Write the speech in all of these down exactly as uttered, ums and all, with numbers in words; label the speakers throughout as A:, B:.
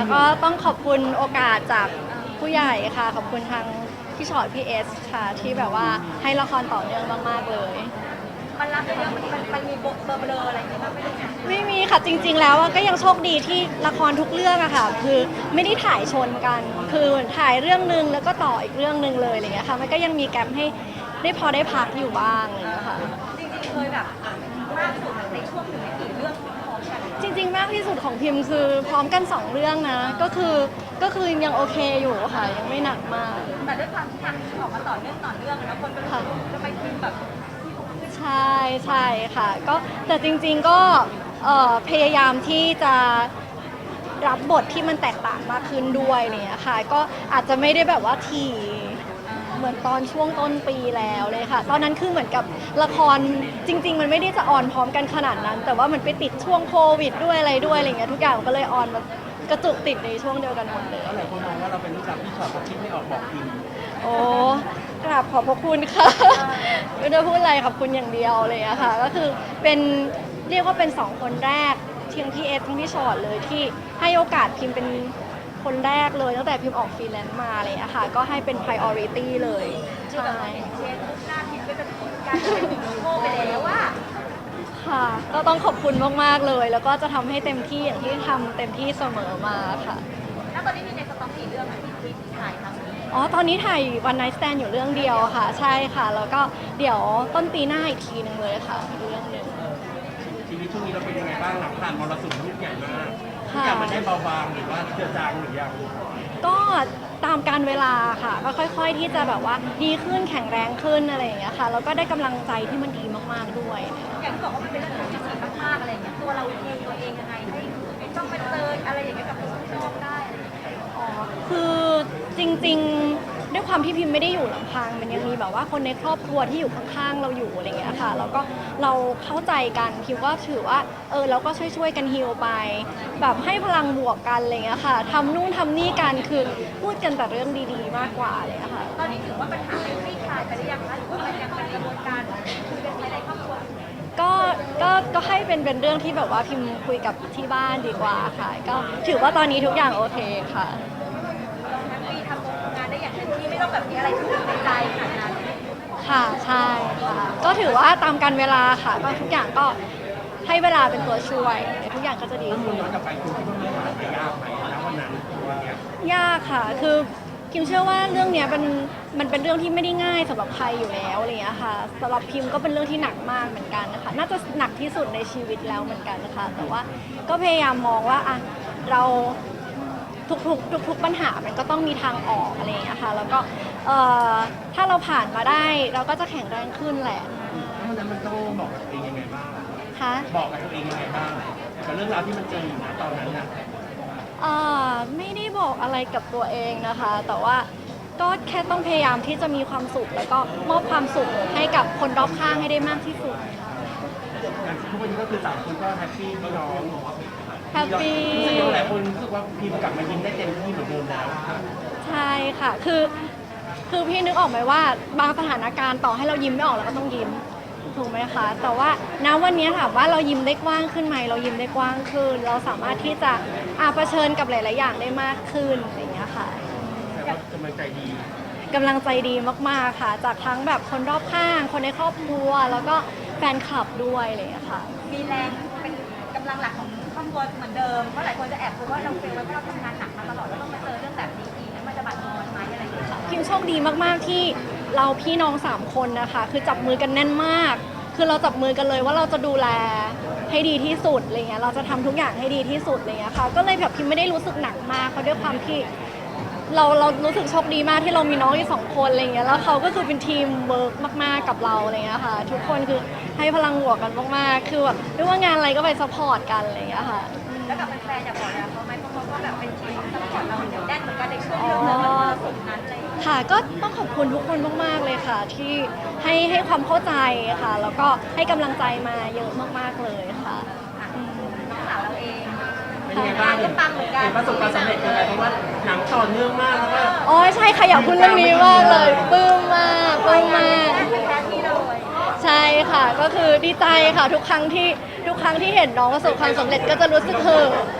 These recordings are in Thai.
A: ก็ต้องขอบคุณโอกาสจากผู้ใหญ่ค่ะขอบคุณทางพี่ชอตพี่เอสค่ะที่แบบว่าให้ละครต่อเนื่องมากๆเลย
B: มันรับเรื่องมันมันมันมีเบอร์เบลออะไรอย่างเงี้ยบ้างไหมคะ
A: ไม่มีค่ะจริงๆแล้วอะก็ยังโชคดีที่ละครทุกเรื่องอะค่ะคือไม่ได้ถ่ายชนกัน คือถ่ายเรื่องหนึ่งแล้วก็ต่ออีกเรื่องหนึ่งเลยอะไรเงี้ยค่ะมันก็ยังมีแกลให้ได้พอได้พักอยู่บ้างอะไรเงี้ยค่ะ
B: จริงๆเคยแบบมากสุดในช่วงหนึ่งในกี่เรื่องพร้อมกัน
A: จริงๆมากที่สุดของพิมพ์คือพร้อมกันสองเรื่องนะก็คือก็คือยังโอเคอยู่ค่ะยังไม่หนักมาก
B: แต่ด้วยความที่ทำออกมาต่อเนื่องต่อเนื่องอะนะคนก็รู้สึกว่าจะไปพิมพ์แบบ
A: ใช่ใช่ค่ะก็แต่จริงๆก็เอ่อพยายามที่จะรับบทที่มันแตกต่างมากขึ้นด้วยเนี่ยค่ะก็อาจจะไม่ได้แบบว่าทีเหมือนตอนช่วงต้นปีแล้วเลยค่ะ ตอนนั้นคือเหมือนกับละครจริง ๆ มันไม่ได้จะออนพร้อมกันขนาดนั้น แต่ว่ามันไปติดช่วงโควิดด้วยอะไรด้วยอะไรเงี้ยทุกอย่างก็เลยออนมากระจุกติดในช่วงเดียวกันหมดเลย
C: หลายคนมองว่าเราเป็นลูกสาวพี่ชอตเขาคิดไม่ออกบอกพิมพ์
A: โอ้กราบขอบพระคุณค่ะ ไม่ได้พูดอะไรขอบคุณอย่างเดียวเลยอะค่ะ ก็คือเป็นเรียกว่าเป็นสองคนแรกทั้งพี่เอสทั้งพี่ชอตเลยที่ให้โอกาสพิมพ์เป็นคนแรกเลยตั้งแต่พิมพ์ออกฟรีแลนซ์มาเลยอะค่ะ ก็ให้เป็น priority เลย
B: คือแบบ
A: ใช่
B: เชนทุกหน้าพิมพ์ก็จะเป็นการเป็นฮีโร่ไปแล้วว่า
A: ค่ะ ก็ต้องขอบคุณมากๆเลย แล้วก็จะทำให้เต็มที่อย่างที่ทำเต็มที่เสมอมาค่ะ
B: แล้วตอนนี้มีในสต็อกกี่เรื่องอะที่ที่ถ่ายทำ
A: อ๋อ ตอนนี้ถ่ายวันไนท์สแตนอยู่เรื่องเดียวค่ะ ใช่ค่ะ แล้วก็เดี๋ยวต้นปีหน้าอีกทีหนึ่งเลยค่ะอีกเรื่องหนึ่ง
C: ชีวิตช่วงนี้เราเป็นยังไงบ้างหลังผ่านมรสุมลูกใหญ่มากทุก
A: ค่ะ
C: อย่างมันได้เบาบางหรือว่าเจือจางหรือยัง
A: ก็ตามการเวลาค่ะก็ค่อย ๆ ที่จะแบบว่าดีขึ้นแข็งแรงขึ้นอะไรอย่างเงี้ยค่ะแล้วก็ได้กำลังใจที่มันดีมากๆด้วย
B: อย่างที่บอกว่ามันเป็นเรื่องที่พิเศษมากๆอะไรอย่างเงี้ยตัวเราเองตัวเองยังไงให้ต้องไปเจออะไรอย่างเงี้ยกับคนนอกได้อะไรอย่างเงี้ย
A: อ๋อคือจริงๆด้วยความที่พิมพ์ไม่ได้อยู่ลำพังมันยังมีแบบว่าคนในครอบครัวที่อยู่ข้างๆเราอยู่อะไรอย่างเงี้ยค่ะแล้วก็เราเข้าใจกันพิมก็ถือว่าเออเราก็ช่วยๆกันฮีลไปแบบให้พลังบวกกันอะไรอย่างเงี้ยค่ะทำนู่นทำนี่กันคือพูดกันแต่เรื่องดีๆ มากกว่าเลยอะค่ะ
B: ตอนนี้ถือว่าปัญหาเป็นคลี่คลายไปหรือยังคะหรือว่ามันยังเป็นกระบวนการคุยกันภายในครอบครัวอยู่
A: ก็ก็ก็ให้เป็นเป็นเรื่องที่แบบว่าพิมพ์คุยกับที่บ้านดีกว่าค่ะ ก็ถือว่าตอนนี้ทุกอย่างโอเคค่ะ
B: เราแฮปปี้ทำงานได้อย่างเต็มที่ไม่ต้องแบบมีอะไรทุกข์ในใจขนาดนั้น
A: ค่ะใช่ค่ะ ก็ถือว่าตามการเวลาค่ะก็ทุกอย่างก็ให้เวลาเป็นตัวช่วยเดี๋ยวทุกอย่างก็จะดี
C: ถ้ามุ
A: ขึ้
C: ม
A: น
C: ย้อนกลับไปคุณคิดว่าเรื่องราวมันยากไหมณวันนั้นวันเนี้ย
A: ยากค่ะ คือพิมเชื่อว่าเรื่องเนี้ยเป็นมันเป็นเรื่องที่ไม่ได้ง่ายสำหรับใครอยู่แล้วอะไรอย่างเงี้ยค่ะสำหรับพิมก็เป็นเรื่องที่หนักมากเหมือนกันนะคะน่าจะหนักที่สุดในชีวิตแล้วเหมือนกันนะคะแต่ว่าก็พยายามมองว่าอ่ะเราทุกๆทุกๆปัญหามันก็ต้องมีทางออกอะไรอย่างเงี้ยค่ะแล้วก็เอ่อถ้าเราผ่านมาได้เราก็จะแข็งแรงขึ้นแหละ
C: แล้ววันนั้นมันต้องบอกกับตัวเองยังไงบ้าง
A: คะ
C: บอกกับตัวเองยังไงบ้างกับเรื่องราวที่มันเจออยู่นะตอนนั้นน่ะ
A: เอ่อไม่ได้บอกอะไรกับตัวเองนะคะ แต่ว่าก็แค่ต้องพยายามที่จะมีความสุข แล้วก็มอบความสุขให้กับคนรอบข้างให้ได้มากที่สุด
C: อย่างทุกวันนี้ก็คือสามคนก็แฮปปี้พี่น้อง
A: แฮปปี้
C: รู้สึกว่าหลายคนรู้สึกว่าพิมพ์กลับมายิ้มได้เต็มที่เหมือนเดิมแล้ว
A: ใช่ค่ะ คือคือพี่นึกออกไหมว่าบางสถานการณ์ต่อให้เรายิ้มไม่ออกเราก็ต้องยิ้มถูกไหมคะ แต่ว่าณวันนี้ถามว่าเรายิ้มได้กว้างขึ้นไหมเรายิ้มได้กว้างขึ้น เราสามารถที่จะอาเผชิญกับหลาย ๆ อย่างได้มากขึ้นอะไรอย่างเงี้ยค่ะ
C: แต่ว่ากำลังใจดี
A: กำลังใจดีมาก ๆ ค่ะ จากทั้งแบบคนรอบข้าง คนในครอบครัว แล้วก็แฟนคลับด้วยอะไรอย่างเงี้ยค่ะ
B: มีแรงเป็นกำลังหลักของครอบครัวเหมือนเดิมเพราะหลายคนจะแอบกลัวว่าเราเฟลไว้เพราะเราทำงานหนักมาตลอดแล้วต้องมาเจอเรื่องแบบนี้อีกแล้วมันจะบาดทอนไหมอะไรอย่างเงี้ย
A: พิมโชคดีมากๆที่เราพี่น้องสามคนนะคะ คือจับมือกันแน่นมาก คือเราจับมือกันเลยว่าเราจะดูแลให้ดีที่สุดอะไรเงี้ยเราจะทำทุกอย่างให้ดีที่สุดอะไรเงี้ยค่ะก็เลยแบบพิมไม่ได้รู้สึกหนักมากเพราะด้วยความที่เราเรารู้สึกโชคดีมากที่เรามีน้องอีกสองคนอะไรเงี้ยแล้วเขาก็คือเป็นทีมเวิร์กมากๆกับเราอะไรเงี้ยค่ะทุกคนคือให้พลังบวกกันมากๆคือแบบไม่ว่างานอะไรก็ไปซัพพอร์ตกันอะไรเงี้ยค่ะ
B: แล้วกับแฟนๆอยากบอกอะไรเขาไหมเพราะเขาก็แบบเป็นทีมซัพพอร์ตเราเหนียวแน่นเหมือนกันในช่วงเรื่องนั้นมันสุดนั้นอะไรอย่างเลย
A: ค่ะก็ต้องขอบคุณทุกคนมากๆเลยค่ะ ที่ให้ให้ความเข้าใจค่ะ แล้วก็ให้กำลังใจมาเยอะมากๆเลยค่ะอืม
B: น้องสาวเราเอง
C: เป็นยังไงบ้าง
B: ก็ปังเหมือนกัน
C: เห็นประสบความสำเร็จยังไงเพราะว่าหนังต่อเนื่องมากแล้วก็
A: โอ้ยใช่ค่ะอยากพูดเรื่องนี้มากเลยปลื้มมากปลื้มมาก
B: เป็นแท้ที่เลย
A: ใช่ค่ะก็คือดีใจค่ะทุกครั้งที่ทุกครั้งที่เห็นน้องประสบความสำเร็จก็จะรู้สึกเห่อะ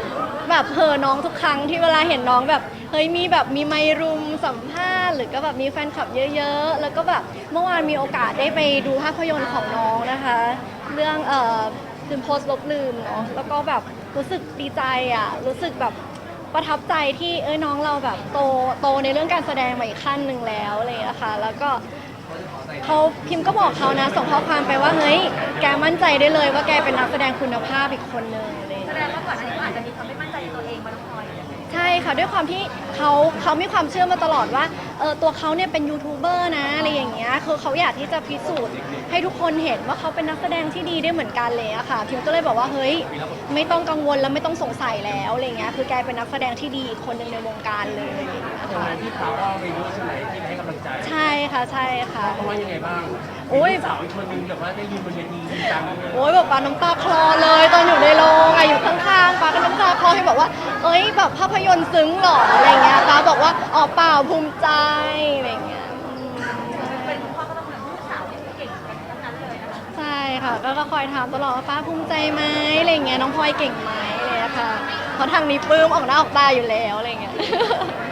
A: แบบเห่อน้องทุกครั้งที่เวลาเห็นน้องแบบเฮ้ยมีแบบมีไมค์รุมสัมภาษณ์หรือก็แบบมีแฟนคลับเยอะๆแล้วก็แบบเมื่อวานมีโอกาสได้ไปดูภาพยนตร์ของน้องนะคะ เรื่องเอ่อลืมโพสต์ลบลืมเนาะแล้วก็แบบรู้สึกดีใจอ่ะรู้สึกแบบประทับใจที่เอ้ยน้องเราแบบโตโตในเรื่องการแสดงมาอีกขั้นหนึ่งแล้วอะไรอย่างเลยนะคะแล้วก็เขาพิมพ์ก็บอกเขานะส่งข้อความไปว่าเฮ้ยแกมั่นใจได้เลยว่าแกเป็นนักแสดงคุณภาพอีกคนนึงอะไรอย่าง
B: แส
A: เลย
B: ดงว่าก่อนอันนี้ก็อาจจะมีความไม่มั่นใจในตัวเองมาน้องพลอย
A: ใช่ค่ะด้วยความที่เขาเขามีความเชื่อมาตลอดว่าเออตัวเขาเนี่ยเป็นยูทูบเบอร์นะอะไรอย่างเงี้ยคือเขาอยากที่จะพิสูจน์ให้ทุกคนเห็นว่าเขาเป็นนักแสดงที่ดีได้เหมือนกันเลยอะค่ะพิมก็เลยบอกว่าเฮ้ยไม่ต้องกังวลแล้วไม่ต้องสงสัยแล้วอะไรเงี้ยคือแกเป็นนักแสดงที่ดีอีกคนหนึ่งในวงการเลยอะไรอย่างเงี้ย
C: อย่าง
A: ค่ะ
C: นั้นที่เขาก็ไปรู้ใช่ไหมที่ไปให้กำลังใจ
A: ใช่ค่ะใช่ค่ะ
C: เขาว่ายังไงบ้าง
A: โอ้ย
C: สาวอีกคนนึงแบบว่าได้ยืนบนเวทีจริงจังเลย
A: โอ้ยแบบปาน้ำตาคลอเลยตอนอยู่ในโรงอะอยู่ข้างๆปาก็น้ำตาคลอให้บอกว่าเอ้ยแบบภาพยนตร์ซึ้งเหรออะไรเงี้ยปาบอกว่าอ๋อเปล่าภูมิใจอะไรเงี้ยอืม
B: เป็นคุณพ่อก็ต้องเหมือนลูกสาวที่เก่งกันทั้งนั้นเลยนะคะ
A: ใช่ค่ะก็ก็คอยถามตลอดว่าป้าภูมิใจไหมอะไรเงี้ยน้องพลอยเก่งไหมอะไรเลยค่ะเพราะทางนี้ปลื้มออกหน้าออกตาอยู่แล้วอะไรเงี้ย